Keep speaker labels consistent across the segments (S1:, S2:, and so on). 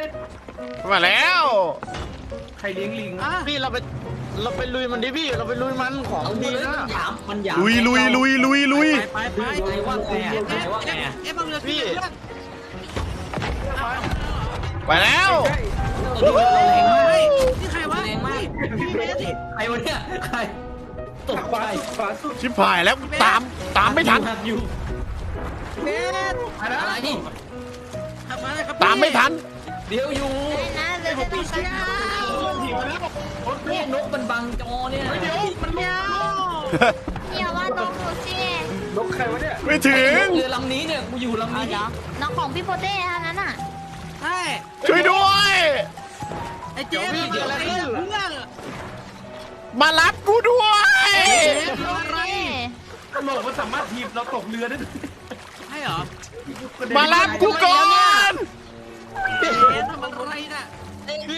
S1: มาแล้ว
S2: ใครเลี้ยงลิง
S3: พี่เราไปลุยมันดิพี่เราไปลุยมันของ
S4: เอา
S3: ดี
S4: เลย
S3: นะ
S4: มันหยาม
S1: ลุย
S5: ไป
S4: ใครว่าไงใครว่าไง
S5: บังเรือพี่
S1: ไปแล้ว
S5: นี่ใครวะ
S4: แรงมาก
S5: พี่เบส
S4: ใครวะเนี่ยใครตก
S2: ข
S4: ใจ
S2: วาสุด
S1: ชิบหายแล้วตามไม่ทัน
S4: อยู่
S5: เบส
S4: อะไร
S5: ทำอะไรครับ
S1: ตามไม่ทัน
S4: เดี๋ยวอยู่
S6: นะเรือจะตกกันนะ
S4: นี่นกมันบังจอเนี่ย
S5: เดี๋ยวมันเดียว
S6: อย่าว่าน้องหนูสิ
S2: นกใครวะเนี่ย
S1: ไม่ถึง
S4: เรือลำนี้เนี่ยกูอยู่ลำนี้
S6: เดี๋ยวน้องของพี่โปเต้ทั้งนั้นอ่ะ
S5: ใช่
S1: ช่วยด้วย
S5: ไอ้เจ๊มันเกิดอะไรขึ้นเพื่อน
S1: มารับกูด้วย
S6: อะไร
S2: ตลกมันสามารถทีบเราตกเรือได้ด้วย
S5: ใช่เหรอ
S1: มารับกูก่อน
S5: เจ๊ทำอะไรน่ะ
S3: พี่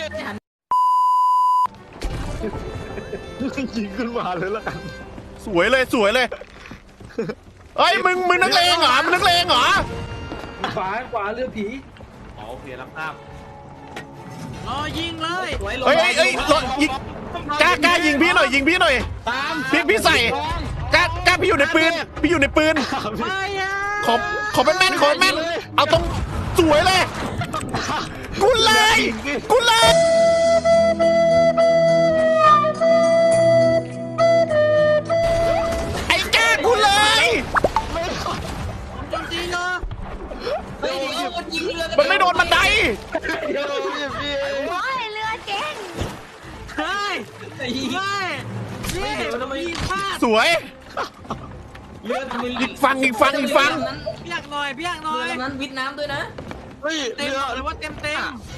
S3: ยิงขึ้นมาเลยละกัน
S1: สวยเลยเฮ้ยมึงนักเลงเหรอมึงนักเลงเหรอ
S2: ขวาเรือผีอ๋อโอเครับทราบ
S5: รอยิงเลย
S1: เฮ้ยรถยิงกล้ายิงพี่หน่อย
S3: ตาม
S1: พี่ใส่กล้าพี่อยู่ในปืน
S5: ไม่อะ
S1: ขอเป็นแม่นเอาตรงสวยเลยกูเลยไอ้แกกูเลย
S5: โจมตีเหรอ
S4: เฮ้ยเดี๋ยวมันยิงเรือ
S1: มันไม่โดนบันได
S3: เดี๋ยวพี่
S6: โอ้ยเรือเจ๊ง
S5: เฮ้ย
S4: ไอ้
S5: ไม่นี่ยิงพลาด
S1: สวย
S4: เรือมัน
S1: อีกฟัง
S5: พี่อยากหน่อย
S4: เรือลำนั้นวิทน้ำด้วยนะ
S3: เฮ้ย
S5: เต็ม
S3: เรือ
S5: หรือว่าเต็ม